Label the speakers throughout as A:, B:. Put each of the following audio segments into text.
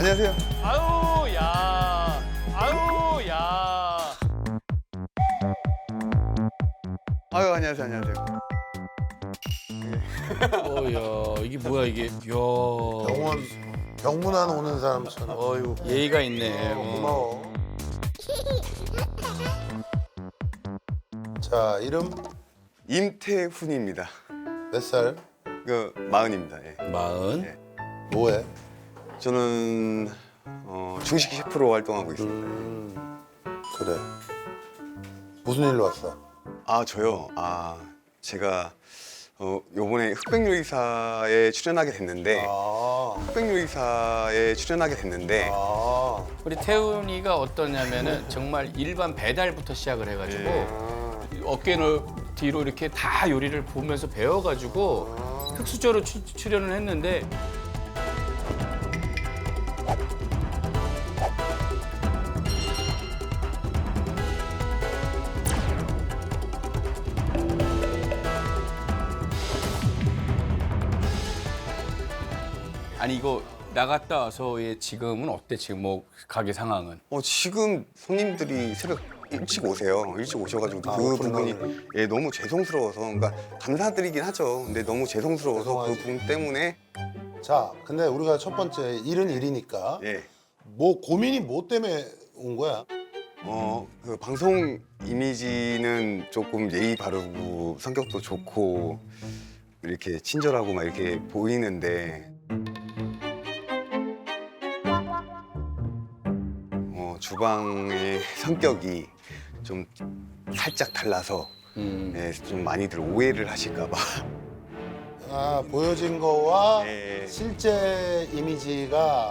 A: 안녕하세요.
B: 아유 야, 아유 야.
A: 아유, 안녕하세요. 안녕하세요.
B: 야 이게 뭐야 이게? 야.
C: 병문안 오는 사람처럼.
B: 어유 예의가 있네.
C: 고마워. 자, 이름
A: 임태훈입니다.
C: 몇 살?
A: 그 마흔입니다. 예.
B: 마흔.
A: 예.
C: 뭐해?
A: 저는 중식 셰프로 활동하고 있습니다.
C: 그래. 무슨 일로 왔어?
A: 아, 저요. 제가 요번에 흑백요리사에 출연하게 됐는데 흑백요리사에 출연하게 됐는데
B: 우리 태훈이가 어떠냐면은 정말 일반 배달부터 시작을 해가지고 어깨 뒤로 이렇게 다 요리를 보면서 배워가지고 흑수저로 출연을 했는데. 아니 이거 나갔다 와서의 지금은 어때? 지금 뭐 가게 상황은?
A: 지금 손님들이 새벽 일찍 오세요. 일찍 오셔가지고 그 부분이 너무 죄송스러워서, 그러니까 감사드리긴 하죠. 근데 너무 죄송스러워서 그 부분 때문에
C: 자, 근데 우리가 첫 번째 일은 일이니까
A: 예.
C: 뭐 고민이 뭐 때문에 온 거야?
A: 그 방송 이미지는 조금 예의 바르고 성격도 좋고 이렇게 친절하고 막 이렇게 보이는데 주방의 성격이 좀 살짝 달라서 좀 많이들 오해를 하실까 봐.
C: 보여진 거와
A: 예.
C: 실제 이미지가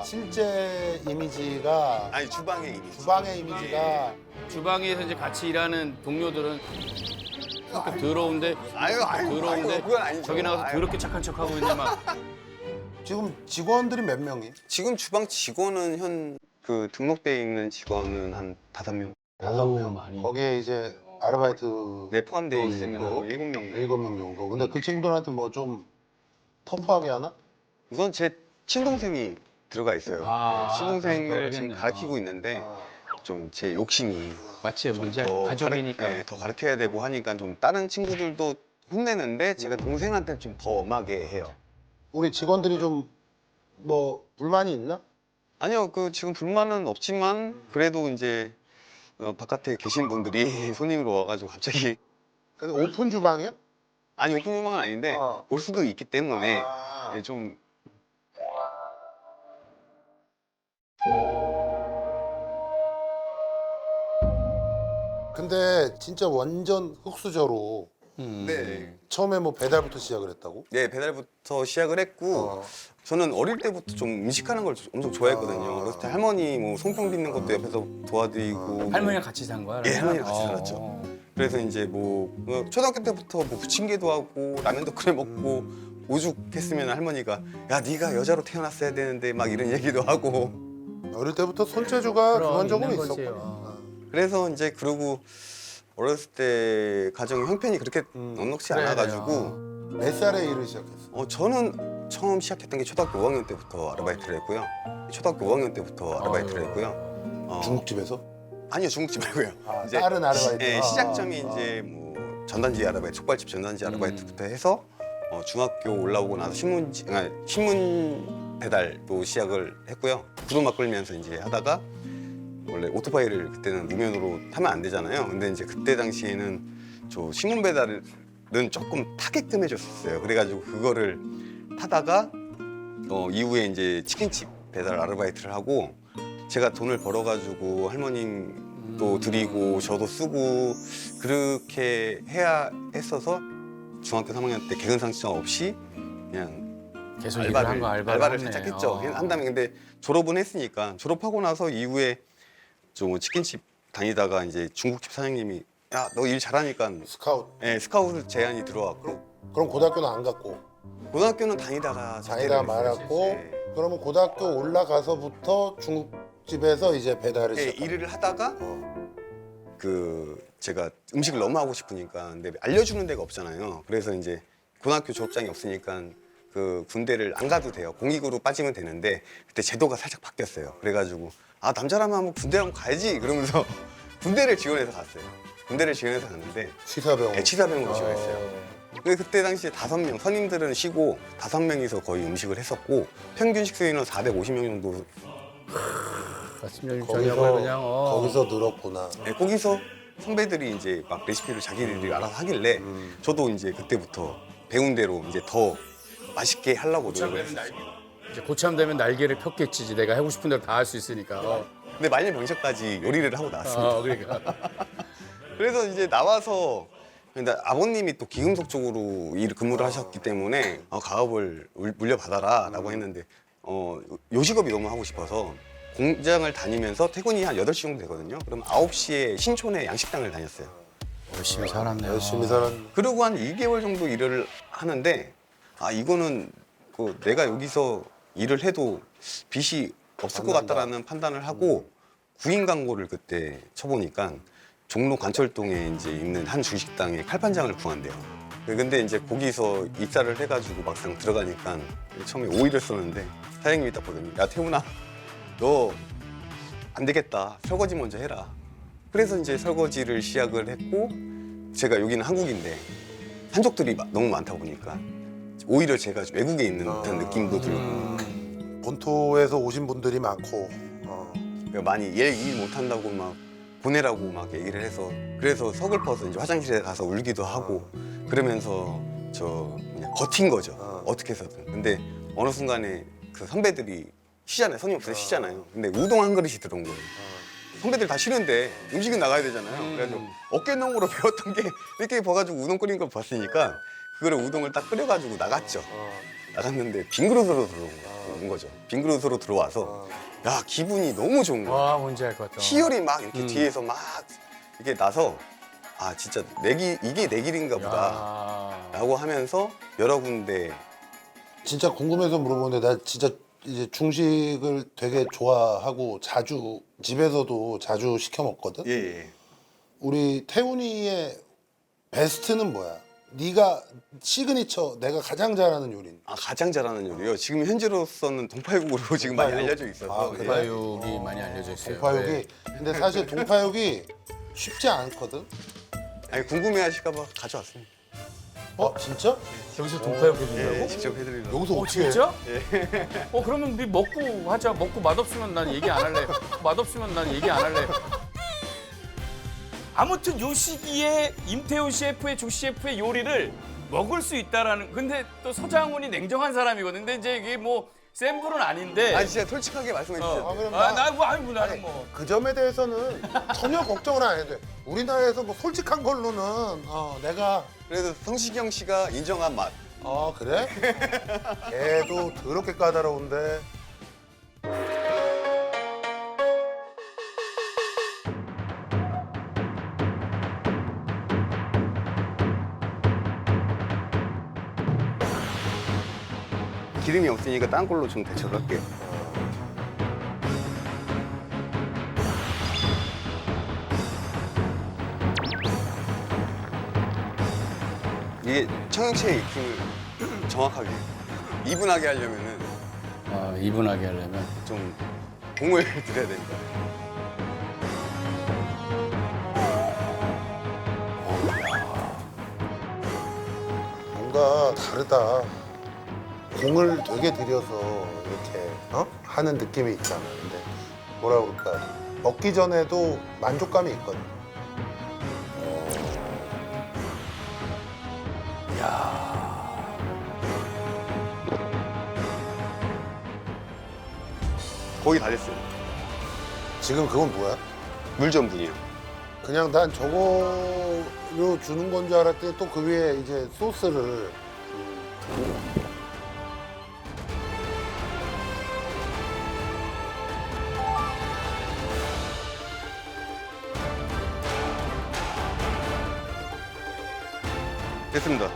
A: 아니, 주방의 이미지.
C: 주방의 이미지가
B: 주방에서 이제 같이 일하는 동료들은 성격 더러운데
A: 아유,
B: 더러운데
A: 그건 아니죠.
B: 저기 나가서 더럽게 착한 척하고 있는데 막.
C: 지금 직원들이 몇 명이?
A: 지금 주방 직원은 그 등록돼 있는 직원은 한 5명.
C: 5명.
B: 많이.
C: 거기에 이제 아르바이트
A: 네, 포함되어 있으면
C: 있고,
A: 7명.
C: 7명 정도. 근데 그 친구들한테 뭐 좀 터프하게 하나?
A: 우선 제 친동생이 들어가 있어요. 친동생을
B: 그러겠네.
A: 지금 가르치고 있는데 좀 제 욕심이
B: 맞지 문제
A: 더
B: 가족이니까.
A: 더 가르쳐야 되고 하니까 좀 다른 친구들도 혼내는데 제가 동생한테 좀 더 엄하게 해요.
C: 우리 직원들이 좀 뭐 불만이 있나?
A: 아니요, 지금 불만은 없지만 그래도 이제 바깥에 계신 분들이 손님으로 와가지고 갑자기
C: 근데 오픈 주방이야?
A: 아니, 오픈 주방은 아닌데 올 수도 있기 때문에 좀
C: 근데 진짜 완전 흑수저로
A: 네.
C: 처음에 뭐 배달부터 시작을 했다고?
A: 네, 배달부터 시작을 했고 저는 어릴 때부터 좀 음식하는 걸 엄청 좋아했거든요. 어렸을 때 할머니 뭐 송편 빚는 것도 옆에서 도와드리고
B: 할머니랑 같이 산 거야?
A: 예,
B: 그러면?
A: 할머니랑 같이 살았죠. 그래서 이제 뭐 초등학교 때부터 뭐 부침개도 하고 라면도 끓여 먹고 오죽했으면 할머니가 야, 네가 여자로 태어났어야 되는데 막 이런 얘기도 하고
C: 어릴 때부터 손재주가
B: 그럼
C: 기본적으로
B: 있는
C: 있었구나.
B: 거지요.
A: 그래서 이제 그러고 어렸을 때 가정 형편이 그렇게 넉넉치
B: 그래야
A: 않아가지고
C: 몇 살에 일을 시작했어?
A: 저는 처음 시작했던 게 초등학교 5학년 때부터 아르바이트를 했고요. 초등학교 5학년 때부터 아르바이트를 했고요.
C: 중국집에서?
A: 아니요, 중국집 말고요.
C: 다른 아르바이트.
A: 시작점이 이제 뭐 전단지 아르바이트, 족발집 전단지 아르바이트부터 해서 중학교 올라오고 나서 신문 배달도 시작을 했고요. 구두막 끌면서 이제 하다가 원래 오토바이를 그때는 무면으로 타면 안 되잖아요. 근데 이제 그때 당시에는 저 신문 배달은 조금 타게끔 해줬었어요. 그래가지고 그거를 타다가 이후에 이제 치킨집 배달 아르바이트를 하고 제가 돈을 벌어가지고 할머님도 드리고 저도 쓰고 그렇게 해야 했어서 중학교 3학년 때 개근상 신청 없이 그냥
B: 계속 일을 한 거
A: 알바를 살짝 했죠. 한 다음에 근데 졸업은 했으니까 졸업하고 나서 이후에 좀 치킨집 다니다가 이제 중국집 사장님이 야, 너 일 잘하니까
C: 스카우트.
A: 스카우트 제안이 들어왔고
C: 그럼 고등학교는 안 갔고?
A: 고등학교는 다니다가
C: 다니다 말았고
A: 네.
C: 그러면 고등학교 올라가서부터 중국집에서 이제 배달을 시작.
A: 일을 하다가 제가 음식을 너무 하고 싶으니까 근데 알려주는 데가 없잖아요. 그래서 이제 고등학교 졸업장이 없으니까 그 군대를 안 가도 돼요. 공익으로 빠지면 되는데 그때 제도가 살짝 바뀌었어요. 그래가지고 아 남자라면 한번 군대 한번 가야지 그러면서 군대를 지원해서 갔어요. 군대를 지원해서 갔는데
C: 치사병.
A: 네, 치사병으로 지원했어요. 근데 그때 당시에 5명, 선임들은 쉬고 5명이서 거의 음식을 했었고 평균 식수인은 450명 정도.
B: 아침 점심
C: 거기서
B: 저녁을 그냥
C: 거기서 늘었구나.
A: 네, 거기서 선배들이 이제 막 레시피를 자기들이 알아서 하길래 저도 이제 그때부터 배운 대로 이제 더 맛있게 하려고 노력을 했어요.
B: 이제 고참 되면 날개를 폈겠지. 내가 하고 싶은 대로 다 할 수 있으니까.
A: 근데 말년병사까지 요리를 하고 나왔습니다.
B: 그러니까.
A: 그래서 이제 나와서 근데 아버님이 또 기금속 쪽으로 근무를 하셨기 때문에 가업을 물려받아라라고 했는데 요식업이 너무 하고 싶어서 공장을 다니면서 퇴근이 한 8시 정도 되거든요. 그럼 9시에 신촌에 양식당을 다녔어요.
B: 열심히 살았네요.
C: 열심히 살았네.
A: 그리고 한 2개월 정도 일을 하는데 이거는 내가 여기서 일을 해도 빚이 없을 것 같다라는 판단을 하고 구인 광고를 그때 쳐보니까 종로 관철동에 이제 있는 한 주식당에 칼판장을 구한대요. 근데 이제 거기서 입사를 해가지고 막상 들어가니까 처음에 오이를 썼는데 사장님이 딱 보더니 야 태훈아 너 안 되겠다 설거지 먼저 해라. 그래서 이제 설거지를 시작을 했고 제가 여기는 한국인데 한족들이 너무 많다 보니까 오히려 제가 외국에 있는 듯한 느낌도 들고
C: 본토에서 오신 분들이 많고
A: 그러니까 많이 일 못한다고 막 보내라고 막 얘기를 해서 그래서 서글퍼서 이제 화장실에 가서 울기도 하고 그러면서 그냥 버틴 거죠. 어떻게 해서든. 근데 어느 순간에 그 선배들이 쉬잖아요. 손님 없어서 쉬잖아요. 근데 우동 한 그릇이 들어온 거예요. 선배들 다 쉬는데 음식은 나가야 되잖아요. 그래가지고 어깨너머로 배웠던 게 이렇게 봐가지고 우동 끓인 걸 봤으니까 그거를 우동을 딱 끓여가지고 나갔죠. 나갔는데 빈 그릇으로 들어온 거죠. 빈 그릇으로 들어와서 야 기분이 너무 좋은 거예요.
B: 와 뭔지 알 것 같다.
A: 희열이 막 이렇게 뒤에서 막 이렇게 나서 진짜 이게 내 길인가 보다 라고 하면서 여러 군데
C: 진짜 궁금해서 물어보는데 나 진짜 이제 중식을 되게 좋아하고 자주 집에서도 자주 시켜 먹거든.
A: 예.
C: 우리 태훈이의 베스트는 뭐야? 네가 시그니처 내가 가장 잘하는 요리는?
A: 가장 잘하는 요리요. 지금 현재로서는 동파육으로 지금 많이
C: 동파육?
A: 알려져 있어서
C: 그래?
B: 동파육이 많이 알려져 있어요.
C: 동파육이.
B: 네.
C: 근데 사실 동파육이 쉽지 않거든.
A: 아니 궁금해하실까봐 가져왔습니다.
C: 진짜?
B: 여기서 동파육
A: 예,
B: 해준다고?
A: 직접 해드리려고.
C: 여기서 어떻게 해?
B: 진짜? 그러면 우리 먹고 하자. 먹고 맛없으면 난 얘기 안 할래. 맛없으면 난 얘기 안 할래. 아무튼 요 시기에 임태훈 셰프의 조 셰프의 요리를 먹을 수 있다라는. 근데 또 서장훈이 냉정한 사람이거든. 근데 이제 이게 뭐 센 불은 아닌데.
A: 진짜 솔직하게 말씀해 주세요.
C: 그럼
B: 나는 뭐.
C: 그 점에 대해서는 전혀 걱정을 안 해도 돼. 우리나라에서 뭐 솔직한 걸로는 내가
A: 그래도 성시경 씨가 인정한 맛.
C: 그래? 걔도 더럽게 까다로운데.
A: 기름이 없으니까 딴 걸로 좀 대처를 할게요. 이게 청양채의 익힘을 정확하게 이분하게 하려면은
B: 이분하게 하려면.
A: 좀 공을 들여야 됩니다.
C: 뭔가 다르다. 공을 되게 들여서 이렇게 하는 느낌이 있잖아. 근데 뭐라 그럴까? 먹기 전에도 만족감이 있거든.
A: 거의 다 됐어요.
C: 지금 그건 뭐야?
A: 물전분이요.
C: 그냥 난 저거로 주는 건 줄 알았더니 또 그 위에 이제 소스를.
A: 됐습니다.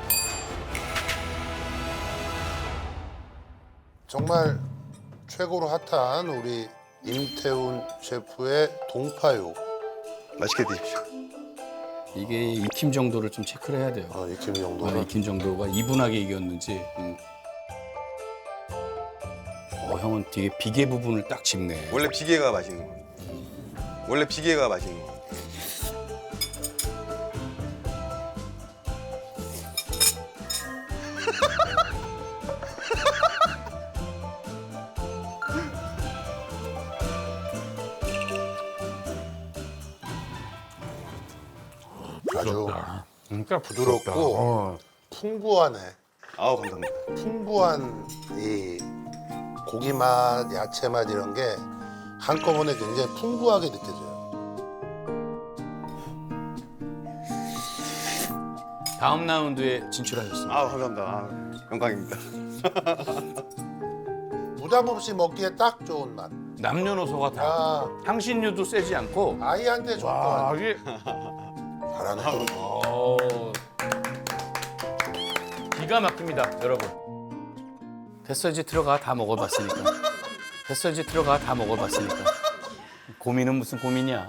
C: 정말 최고로 핫한 우리 임태훈 셰프의 동파육.
A: 맛있게 드십시오.
B: 이게 익힘 정도를 좀 체크를 해야 돼요.
C: 익힘 정도는.
B: 익힘 정도가 이분하게 익었는지. 형은 되게 비계 부분을 딱 짚네.
A: 원래 비계가 맛있는 거. 원래 비계가 맛있는 거.
C: 아주
B: 그러니까
C: 부드럽고 풍부하네.
A: 아우 감사합니다.
C: 풍부한 이 고기 맛, 야채 맛 이런 게 한꺼번에 굉장히 풍부하게 느껴져요.
B: 다음 라운드에 진출하셨습니다.
A: 아우 감사합니다. 아우, 영광입니다.
C: 부담 없이 먹기에 딱 좋은 맛.
B: 남녀노소가 다
C: 아,
B: 향신료도 세지 않고.
C: 아이한테 좋을 것 같아.
B: 이게
C: 잘하네.
B: 기가 막힙니다, 여러분. 됐어 이제 들어가 다 먹어봤으니까. 됐어 이제 들어가 다 먹어봤으니까. 고민은 무슨 고민이야.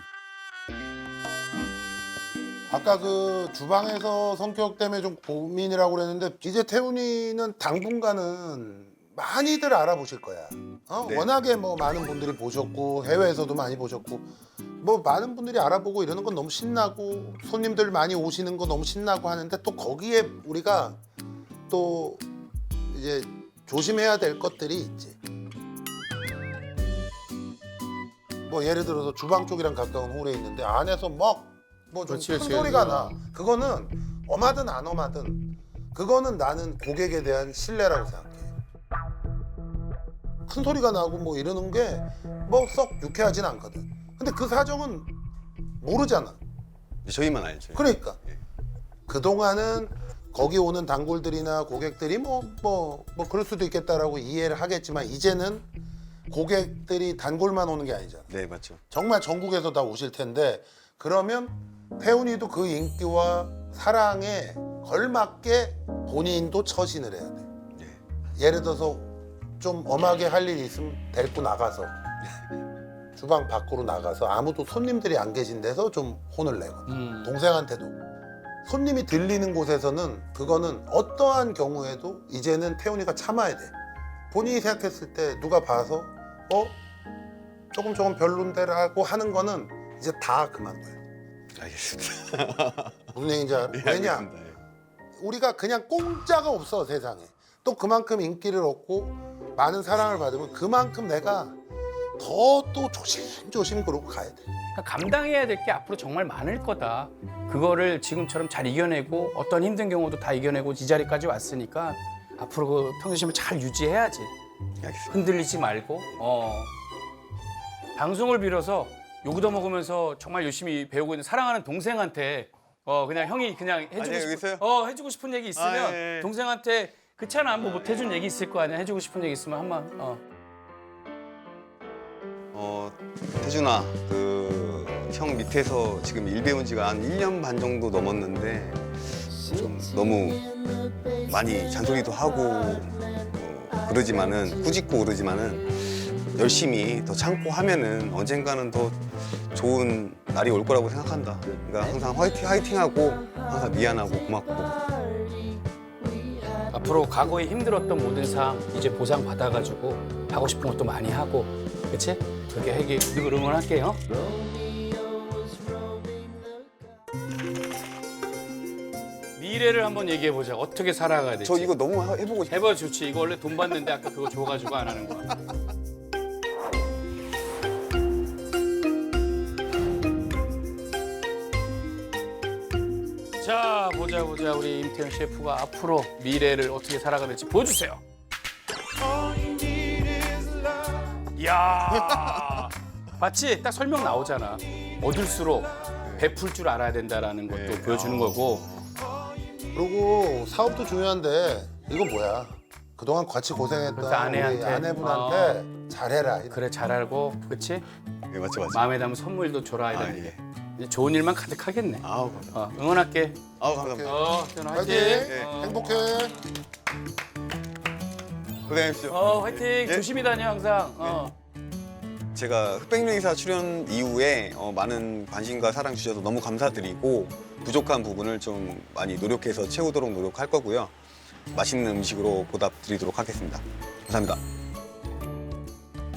C: 아까 그 주방에서 성격 때문에 좀 고민이라고 그랬는데 이제 태훈이는 당분간은 많이들 알아보실 거야.
A: 네.
C: 워낙에 뭐 많은 분들이 보셨고 해외에서도 많이 보셨고 뭐 많은 분들이 알아보고 이러는 건 너무 신나고 손님들 많이 오시는 거 너무 신나고 하는데 또 거기에 우리가 또 이제 조심해야 될 것들이 있지. 뭐 예를 들어서 주방 쪽이랑 가까운 홀에 있는데 안에서 막 뭐 좀
B: 그렇지,
C: 큰
B: 그렇지.
C: 소리가 나. 그거는 엄하든 안 엄하든 그거는 나는 고객에 대한 신뢰라고 생각해. 큰 소리가 나고 뭐 이러는 게 뭐 썩 유쾌하진 않거든. 근데 그 사정은 모르잖아.
A: 저희만 알죠.
C: 그러니까 그동안은 거기 오는 단골들이나 고객들이 뭐 그럴 수도 있겠다라고 이해를 하겠지만 이제는 고객들이 단골만 오는 게 아니잖아.
A: 네 맞죠.
C: 정말 전국에서 다 오실 텐데 그러면 태훈이도 그 인기와 사랑에 걸맞게 본인도 처신을 해야 돼.
A: 네.
C: 예를 들어서 좀 엄하게 할 일이 있으면 데리고 나가서 주방 밖으로 나가서 아무도 손님들이 안 계신 데서 좀 혼을 내거든. 동생한테도 손님이 들리는 곳에서는 그거는 어떠한 경우에도 이제는 태훈이가 참아야 돼. 본인이 생각했을 때 누가 봐서 조금 별론데라고 하는 거는 이제 다 그만둬요.
A: 알겠습니다.
C: 무슨 얘기인지 알아?
A: 네,
C: 왜냐?
A: 알겠습니다. 예.
C: 우리가 그냥 공짜가 없어 세상에. 또 그만큼 인기를 얻고 많은 사랑을 받으면 그만큼 내가 더 또 조심조심 그러고 가야 돼.
B: 그러니까 감당해야 될 게 앞으로 정말 많을 거다. 그거를 지금처럼 잘 이겨내고 어떤 힘든 경우도 다 이겨내고 이 자리까지 왔으니까 앞으로 그 평소심을 잘 유지해야지.
A: 알겠습니다.
B: 흔들리지 말고. 방송을 빌어서 요구도 먹으면서 정말 열심히 배우고 있는 사랑하는 동생한테 그냥 형이 그냥 해주고
A: 아니, 여기
B: 싶은
A: 있어요?
B: 해주고 싶은 얘기 있으면
A: 아, 예, 예.
B: 동생한테 그렇잖아 뭐 못 해준 얘기 있을 거 아니야. 해주고 싶은 얘기 있으면 한번
A: 태준아, 그 형 밑에서 지금 일 배운 지가 한 1년 반 정도 넘었는데 좀 너무 많이 잔소리도 하고 그러지만은 꾸짖고 그러지만은 열심히 더 참고 하면은 언젠가는 더 좋은 날이 올 거라고 생각한다. 그러니까 항상 화이팅하고 항상 미안하고 고맙고.
B: 앞으로 과거에 힘들었던 모든 상황 이제 보상 받아가지고 하고 싶은 것도 많이 하고, 그렇지? 그렇게 하기 누구 응원할게요. 미래를 한번 얘기해 보자. 어떻게 살아가야 될지.
A: 저 이거 너무 해보고 싶어요.
B: 해봐 좋지. 이거 원래 돈 받는데 아까 그거 줘가지고 안 하는 거야. 자 보자 우리 임태현 셰프가 앞으로 미래를 어떻게 살아가야 될지 보여주세요. 이야 봤지? 딱 설명 나오잖아. 얻을수록 베풀 줄 알아야 된다라는 것도
A: 네.
B: 보여주는 거고.
C: 그리고 사업도 중요한데 이거 뭐야? 그동안 같이 고생했던
B: 그래서 아내한테.
C: 우리 아내분한테 잘해라. 이런.
B: 그래 잘 알고 그렇지?
A: 네, 맞죠.
B: 마음에 담은 선물도 줘라 이런 게.
A: 예.
B: 이제 좋은 일만 가득하겠네.
A: 아우 감사합니다.
B: 응원할게.
A: 아우 감사합니다.
B: 태현
C: 화이팅!
B: 화이팅.
A: 네.
C: 행복해.
A: 고생하십시오.
B: 화이팅. 조심히 다녀 항상.
A: 제가 흑백요리사 출연 이후에 많은 관심과 사랑 주셔서 너무 감사드리고 부족한 부분을 좀 많이 노력해서 채우도록 노력할 거고요. 맛있는 음식으로 보답드리도록 하겠습니다. 감사합니다.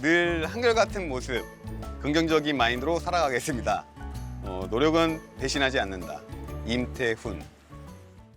A: 늘 한결같은 모습, 긍정적인 마인드로 살아가겠습니다. 노력은 배신하지 않는다. 임태훈.